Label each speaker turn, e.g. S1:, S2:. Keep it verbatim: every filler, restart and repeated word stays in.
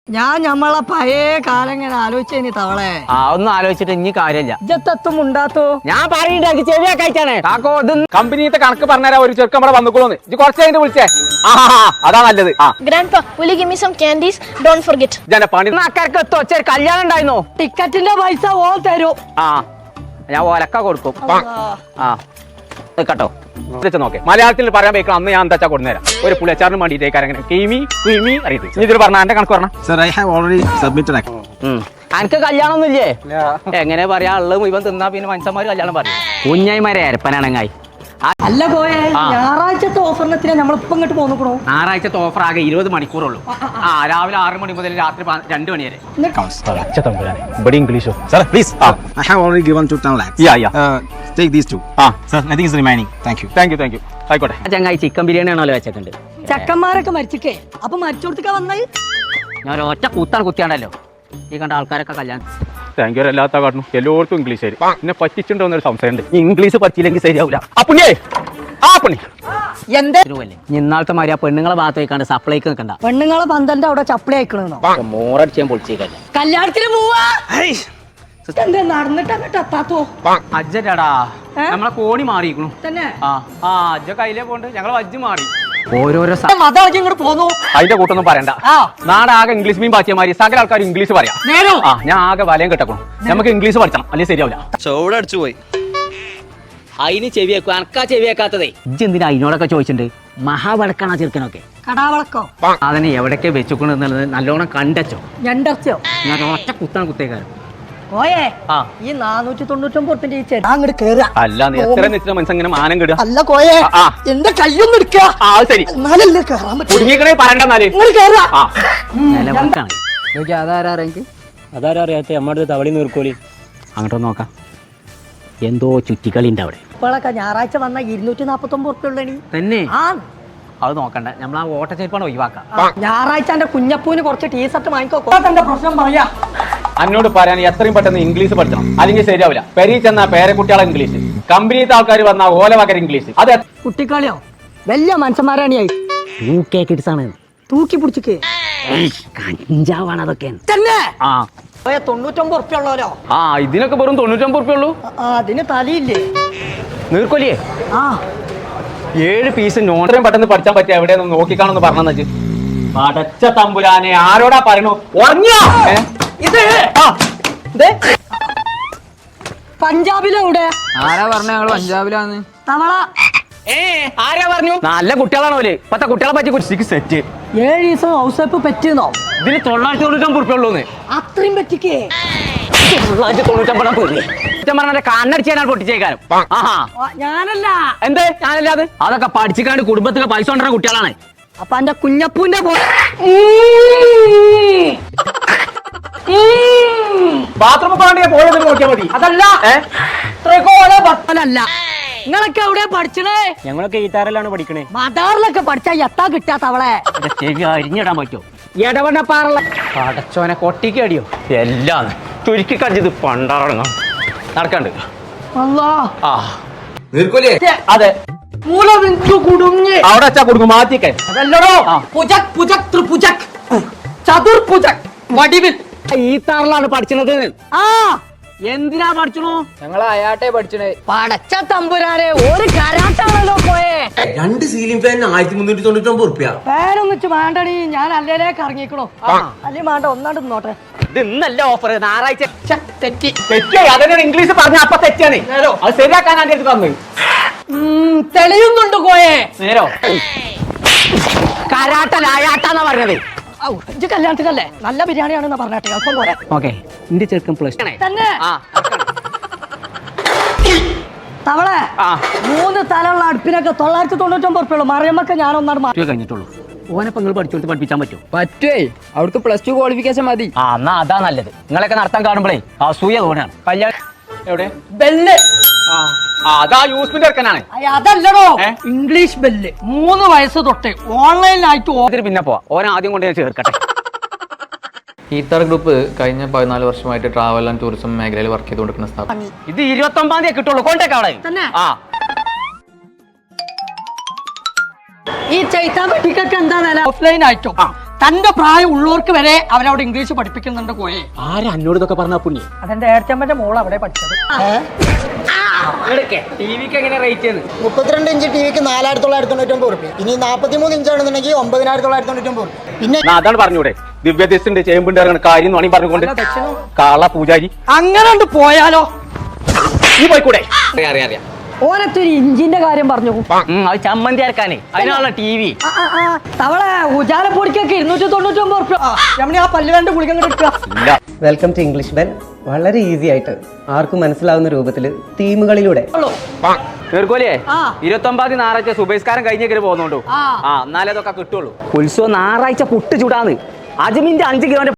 S1: ഞാൻ ഞമ്മളെ പഴയ കാലം ഇങ്ങനെ ആലോചിച്ചേനി തവളെ.
S2: ആ ഒന്നും ആലോചിച്ചിട്ട് ഇനി കാര്യമില്ല.
S1: ഇജ്ജത്തും ഉണ്ടാത്തോ
S2: ഞാൻ പറയുന്നുണ്ട് ചെവിയാ കഴിച്ചാണ് കാക്കോ. ഇത്
S3: കമ്പനിത്തെ കണക്ക് പറഞ്ഞാ ഒരു ചെറുക്കം ഇവിടെ വന്നുകൊള്ളൂന്ന് ഇത് കുറച്ച് കഴിഞ്ഞിട്ട് വിളിച്ചേ. ആ അതാ നല്ലത്. ആ
S4: Grandpa, will you give me some candies? Don't forget.
S3: ജന പണി
S2: അക്കരക്ക് എത്തോ ചെറിയ കല്യാണം ഉണ്ടായിരുന്നോ?
S1: ടിക്കറ്റിന്റെ പൈസ ഓ തരൂ.
S2: ആ ഞാൻ ഒലക്ക കൊടുക്കും. ആ കേട്ടോ
S3: നോക്കെ മലയാളത്തിൽ പറയാൻ വെക്കണം. അന്ന് ഞാൻ എന്താ കൊടുന്നേരാം ഒരു പുളിയച്ചാറിന് വേണ്ടിയിട്ടേക്കാരെങ്ങനെ കീമി ക്രീമി അറിയത് ഇതിൽ പറഞ്ഞ എന്റെ കണക്ക് പറഞ്ഞ
S5: Sir, I have already submitted.
S2: എനിക്ക് കല്യാണം ഒന്നും ഇല്ലേ? എങ്ങനെ പറയാ ഉള്ളത് ഇവൻ തിന്നാ പിന്നെ മനുഷ്യന്മാര് കല്യാണം പറയും. കുഞ്ഞായിമാരെ അരപ്പനാണങ്ങായി.
S1: അല്ല പോയെ ഞായറാഴ്ചത്തെ ഓഫറിനെത്തിനാ നമ്മളിപ്പോ ഇങ്ങോട്ട് പോന്നോ.
S2: ഞായറാഴ്ചത്തെ ഓഫർ ആകെ ഇരുപത് മണിക്കൂറുള്ളൂ. ആ രാവിലെ ആറ് മണി മുതൽ രാത്രി രണ്ട് മണി വരെ.
S3: ഇവിടെ ഇംഗ്ലീഷോ
S5: Sir, please. Uh, I have already given to ten lakhs.
S3: Yeah, yeah.
S5: Uh, take these two.
S3: ആ
S5: Sir, nothing is remaining. Thank you.
S3: Thank you thank you ആയിക്കോട്ടെ.
S2: ആ ചങ്ങായി ചിക്കൻ ബിരിയാണി ആണല്ലോ വെച്ചിട്ടുണ്ട്.
S1: ചെക്കന്മാരൊക്കെ മരിച്ചിക്കേ അപ്പൊ മരിച്ചോടത്തേക്കാ വന്നത്.
S2: ഞാൻ ഒറ്റ കൂത്താണ് കുത്തിയാണല്ലോ ഈ കണ്ട ആൾക്കാരൊക്കെ കല്യാണം.
S3: താങ്ക് യു എല്ലാത്ത കാട്ടണം എല്ലായിടത്തും ഇംഗ്ലീഷ് ആയി എന്നെ പറ്റിച്ചിട്ടുണ്ടോ എന്നൊരു സംശയമുണ്ട്. ഇംഗ്ലീഷ് പറ്റിയില്ലെങ്കിൽ ശരിയാവില്ല. ആ പുണ്യേ ആ പുണ്ണി
S1: എന്തേ
S2: ഇന്നാളത്തെ മാതിരി ആ പെണ്ണുങ്ങളെ ഭാഗത്ത് വെക്കാണ്ട് സപ്ലൈക്ക് നിൽക്കണ്ട.
S1: പെണ്ണുങ്ങളെ പന്തലിന്റെ അവിടെ ചപ്പിളി അയക്കണെന്നോ.
S2: മോറടിച്ചാൻ പൊളിച്ചേക്കല്ലേ
S1: കല്യാണത്തിന് പോവാ. എന്താ നടന്നിട്ട് അങ്ങോട്ട് എത്താത്തോ
S2: അജ്ജടാ നമ്മളെ കോണി മാറിയിരിക്കണു
S1: തന്നെ.
S2: ആ ആ അജ്ജ കയ്യിലേ പോണ്ട് ഞങ്ങളെ വജ്ജ് മാറി. ഓരോരോ സ-
S1: മതം ഇങ്ങോട്ട് പോന്നു.
S3: അതിന്റെ കൂട്ടൊന്നും പറയണ്ട.
S1: ആ
S3: നാടാകെ ഇംഗ്ലീഷ് മീൻ പാറ്റിയമാരി സകല ആൾക്കാർ ഇംഗ്ലീഷ് പറയാം.
S1: നേരോ
S3: ആ ഞാൻ ആകെ വലയം കെട്ടക്കണം. നമുക്ക് ഇംഗ്ലീഷ് പഠിക്കണം അല്ലെങ്കിൽ ശരിയാവില്ല.
S5: ചോട് അടിച്ചു പോയി.
S2: അതിന് ചെവിയേക്കും അനക്കാ ചെവിയേക്കാത്തതേ. ഇജ്ജ് എന്തിനാ അതിനോടൊക്കെ ചോദിച്ചിട്ടുണ്ട്. മഹാവടക്കാണ് ചെറുക്കനൊക്കെ.
S1: കടാവളക്കോ
S2: അതിനെ എവിടൊക്കെ വെച്ചുകൊണ്ട് എന്നുള്ളത് നല്ലോണം കണ്ടച്ചോ.
S1: ഞണ്ടർച്ചോ
S2: ഞാൻ ഒറ്റ കുത്താണ് കുത്തേക്കാരൻ.
S1: ഓയേ
S2: ആ
S1: ഈ നാനൂറ്റി തൊണ്ണൂറ്റൊമ്പത് ഉറുപ്പിന്റെ ഈ ചേട്ടാ അങ്ങോട്ട് കേറുക.
S3: അല്ല നീ എത്ര നിശ്ചിത മനസ്സ് ഇങ്ങനെ മാനം കിടുക.
S1: അല്ല കോയെ
S3: ആ.
S1: എന്റെ കയ്യൊന്നും എടുക്കുക.
S3: ആ അത് ശരി
S1: എന്നാലല്ലേ കേറാൻ പറ്റും.
S3: കുടുങ്ങിക്കണേ പറയണ്ടെന്നാല്.
S1: ഇങ്ങോട്ട് കേറുക.
S3: ആ
S2: നിലവടക്കാണ്.
S6: അതാരാ അറിയാത്ത നമ്മുടെ തവളി നീർക്കോലി.
S2: അങ്ങോട്ടൊന്ന് നോക്കാം. എന്തോ ചുറ്റിക്കളി ഉണ്ട് അവിടെ.
S1: ഇപ്പോഴൊക്കെ ഞായറാഴ്ച വന്ന ഇരുന്നൂറ്റി നാപ്പത്തി ഒമ്പത് ഉറുപ്പ ഉള്ളണി.
S2: തന്നെ
S1: ആ
S2: അത് നോക്കണ്ട. നമ്മൾ ആ ഓട്ടച്ചേരിപ്പാണ് ഒഴിവാക്കാം.
S1: ആ, ഞായറാഴ്ച എന്റെ കുഞ്ഞപ്പൂന് കുറച്ച് ടീഷർട്ട് വാങ്ങിക്കോ. എന്റെ പ്രശ്നം പറയാ.
S3: എന്നോട് പറയാൻ എത്രയും പെട്ടെന്ന് ഇംഗ്ലീഷ് പഠിക്കണം അല്ലെങ്കിൽ ശരിയാവില്ല. പെരി ചെന്ന പേരക്കുട്ടികളെ ഇംഗ്ലീഷ്, കമ്പനിത്തെ ആൾക്കാർ വന്ന ഓല വകര ഇംഗ്ലീഷ്. അത്
S1: കുട്ടിക്കളിയോ വലിയ മനുഷ്യന്മാരാണ്.
S2: യൂകെ കിഡ്സാണ്.
S1: തൂക്കി പിടിച്ചിക്ക്
S2: കഞ്ചാവാണ് അതൊക്കെ.
S1: തന്നെ
S2: ആ
S1: പോയ തൊണ്ണൂറ്റൊമ്പത് ഉറുപ്പ ഉള്ളവരോ.
S3: ആ ഇതിനൊക്കെ വെറും തൊണ്ണൂറ്റൊമ്പത് ഉറുപ്പ ഉള്ളൂ.
S1: ആ, അതിന് തലയില്ലേ.
S3: നീർക്കൊലിയേ
S1: ആ
S3: ഏഴ് പീസ് നോട്ടയും പെട്ടെന്ന് പഠിച്ചാൻ പറ്റിയ എവിടെയൊന്നും നോക്കിക്കാണെന്ന് പറഞ്ഞെന്ന് വെച്ച് പടച്ച തമ്പുരാനെ ആരോടാ പറയണു. ഉറങ്ങിയോ? ഏ?
S1: ഇത്
S3: ആ, ദേ.
S1: പഞ്ചാബിലെവിടെ
S6: ആരാ പറഞ്ഞ ഞങ്ങള് പഞ്ചാബിലാന്ന്?
S1: തവള
S2: ഏ ആരാ പറഞ്ഞു? നല്ല കുട്ടികളാണ് ഓല്. ഇപ്പത്തെ കുട്ടികളെ പറ്റി കുറിച്ച് സെറ്റ്.
S1: ഏഴ് ദിവസം ഹൗസപ്പ് പറ്റിയെന്നോ.
S2: ഇതിന് തൊള്ളായിരത്തി തൊണ്ണൂറ്റൊമ്പത് ഉറുപ്പ ഉള്ളൂന്ന്.
S1: അത്രയും പറ്റിക്കേ.
S2: തൊള്ളായിരത്തി തൊണ്ണൂറ്റൊമ്പത് പോയി പറഞ്ഞ കണ്ണടിച്ചാൽ പൊട്ടിച്ചേക്കാരും. ആഹാ
S1: ആ, ഞാനല്ല.
S2: എന്തേ ഞാനല്ലാതെ അതൊക്കെ പഠിച്ചിക്കാണ്ട് കുടുംബത്തിലെ പൈസ കൊണ്ടുവരുന്ന കുട്ടികളാണ്.
S1: അപ്പൊ എന്റെ കുഞ്ഞപ്പൂന്റെ പോ
S3: ബാത്റൂമിൽ പോകണ്ടേ പോയത് നോക്കിയാൽ മതി.
S1: അതല്ല
S3: ഏ?
S1: ത്രികോണ ബത്തലല്ല. നിങ്ങളൊക്കെ എവിടെ പഠിച്ചണേ?
S6: ഞങ്ങളൊക്കെ ഈത്താറിലാണ് പഠിക്കണേ.
S1: മദാറിലൊക്കെ പഠിച്ചാ എത്താ കിട്ടാ തവളെ.
S2: ചെവി അരിഞ്ഞിടാൻ പറ്റുമോ? ഇടവണ്ണപ്പാറുള്ള പടച്ചോനെ കൊട്ടിക്ക് അടിയോ എല്ലാം ചുരുക്കി കടിച്ചത് പണ്ടാറങ്ങാം നടക്കണ്ട്.
S1: അല്ലാ
S3: ആ
S5: നീർക്കോലിയെ
S3: അതെ
S1: മൂല ബിന്ദു കുടുങ്ങി.
S3: അവിടെ വെച്ചാ കൊടുക്കും മാറ്റിക്കേ.
S1: അതല്ലടോ
S3: ആ.
S1: പുജക് പുജക് ത്രിപുജക് ചതുർ പുജക് വടിവിൽ.
S2: ഈ താറിലാണ് പഠിച്ചത്.
S1: ആ
S2: എന്തിനാ പഠിച്ചണു?
S6: ഞങ്ങൾ അയാട്ടെ പഠിച്ചണേ.
S1: പടച്ച തമ്പുരാനെ ഒരു കരാട്ടാണല്ലോ പോയെ.
S5: രണ്ട് സീലിംഗ് ഫാൻ ആയിരത്തി മുന്നൂറ്റി തൊണ്ണൂറ്റി ഒമ്പത് റുപ്യ.
S1: പേരൊന്നിച്ച് വേണ്ടടി ഞാൻ അല്ലേലേക്ക് ഇറങ്ങിക്കണോ. അല്ലേ വേണ്ട ഒന്നാണ്ട് നോട്ടെ.
S2: ഇത് ഇന്നല്ല ഓഫർ ഞായറാഴ്ച.
S1: ഛെ, തെറ്റി.
S3: തെറ്റിയായി അതിനൊരു ഇംഗ്ലീഷ് പറഞ്ഞ അപ്പൊ തെറ്റാണ്. അത് ശരിയാക്കാൻ ആന്റെ അടുത്ത് തന്നു.
S1: ഉം, തെളിയുന്നുണ്ട് കോയെ.
S3: നേരോ
S2: കരാട്ട ലായാട്ടാന്നാ പറഞ്ഞത്.
S1: ഔ, ഇജ്ജ് കല്യാണത്തിനല്ലേ നല്ല ബിരിയാണിയാണെന്ന് പറഞ്ഞാട്ടെ ഒപ്പം പോരെ.
S2: ഓക്കെ എന്റെ ചെറുക്കൻ പ്ലസ്
S1: തന്നെ
S2: ആ
S1: തവളെ
S3: ആ
S1: മൂന്ന് തലമുള്ള അടുപ്പിനൊക്കെ തൊള്ളായിരത്തി തൊണ്ണൂറ്റൊമ്പത് ഉറുപ്പുള്ളൂ. മറിയമ്മക്ക് ഞാൻ ഒന്നാട് മാറ്റി
S2: കഴിഞ്ഞിട്ടുള്ളൂ. ഓനപ്പം നിങ്ങൾ പഠിച്ചു കൊടുത്ത് പഠിപ്പിച്ചാൻ പറ്റുമോ?
S6: പറ്റേ അവിടുത്തെ പ്ലസ് ടു ക്വാളിഫിക്കേഷൻ മതി.
S2: ആ എന്നാ അതാ നല്ലത്. നിങ്ങളൊക്കെ നടത്താൻ കാണുമ്പോഴേ അസൂയ തോന്നാണ്. കല്യാണം
S3: എവിടെ?
S1: ബെല്ല്.
S3: ആ ആ, അതാ യൂസ്മിന്റെ ഇറക്കാനാണ്.
S1: അയ്യ, അതല്ലടോ
S3: ഏ?
S1: English bell. മൂന്ന് വയസ്സ് തൊട്ട് ഓൺലൈനിലായിട്ട് ഓ-
S2: ഇതിന് പിന്നെ പോവാ. ഓൻ ആദ്യം കൊണ്ട് ഞാൻ ചേർക്കട്ടെ.
S7: ഈത്താർ ഗ്രൂപ്പ് കഴിഞ്ഞ പതിനാല് വർഷമായിട്ട് ട്രാവൽ ആൻഡ് ടൂറിസം മേഖലയിൽ വർക്ക് ചെയ്തുകൊണ്ടിരിക്കുന്ന സ്ഥാപനം.
S2: ഇത് ഇരുപത്തി ഒമ്പതാം തീയതി കിട്ടുള്ളൂ. കോണ്ടാക്ട് അവിടെ.
S1: തന്നെ
S2: ആ
S1: ഈ ചൈത്താൻ പെട്ടിക്കൊക്കെ എന്താ വില? ഓഫ്ലൈൻ ആയിട്ടോ തന്റെ പ്രായം ഉള്ളവർക്ക് വരെ അവരവിടെ ഇംഗ്ലീഷ് പഠിപ്പിക്കുന്നുണ്ട് കോയെ.
S3: ആരാ എന്നോട് ഇതൊക്കെ പറഞ്ഞ പുണ്യ?
S1: അതെന്റെ ഏർച്ചമ്മന്റെ മോൾ അവിടെ പഠിച്ചത്.
S2: ടി വിക്ക് എങ്ങനെ റേറ്റ് ചെയ്യുന്നത്?
S8: മുപ്പത്തിരണ്ട് ഇഞ്ച് ടി വിക്ക് നാലായിരത്തി തൊള്ളായിരത്തി തൊണ്ണൂറ്റൊമ്പത് റുപ്യ. ഇനി നാൽപ്പത്തിമൂന്ന് ഇഞ്ച് ആണെന്നുണ്ടെങ്കിൽ ഒമ്പതിനായിരത്തി തൊള്ളായിരത്തി തൊണ്ണൂറ്റൊമ്പത് റുപ്യ. പിന്നെ
S3: ഞാൻ അതാണ് പറഞ്ഞൂടെ, ദിവ്യദസ്തുണ്ട് ചേമ്പുണ്ട് ഇറങ്ങുന്ന കാര്യം എന്ന് വേണമെങ്കിൽ പറഞ്ഞുകൊണ്ട് കാള പൂജാരി
S1: അങ്ങനെ പോയാലോ?
S3: ഈ പോയിക്കൂടെ? അറിയാം അറിയാം അറിയാം.
S1: ഓനത്തെ ഒരു ഇഞ്ചിന്റെ കാര്യം പറഞ്ഞു.
S2: അത് ചമ്മന്തി അരക്കാനേ അതിനാണല്ലോ ടി വി.
S1: തവളെ ഉജാലപ്പൊടിക്കൊക്കെ ഇരുന്നൂറ്റി തൊണ്ണൂറ്റി ഒമ്പത് റുപ്യ. രമണി ആ പല്ല് വേണ്ട ഗുളിക എടുക്കുക.
S9: Welcome to English bell. വളരെ ഈസി ആയിട്ട് ആർക്കും മനസ്സിലാവുന്ന രൂപത്തിൽ തീമുകളിലൂടെ
S3: നീർക്കോലിയെ ഇരുപത്തി ഒമ്പതാം ഞായറാഴ്ച സുബൈസ്കാരം കഴിഞ്ഞേക്കല് പോകുന്നുണ്ടോ? ആ എന്നാലേ അതൊക്കെ കിട്ടുള്ളൂ.
S2: ഉത്സവം ഞായറാഴ്ച പുട്ട് ചൂടാന്ന്. അജ്മിന്റെ അഞ്ച് കിലോന്റെ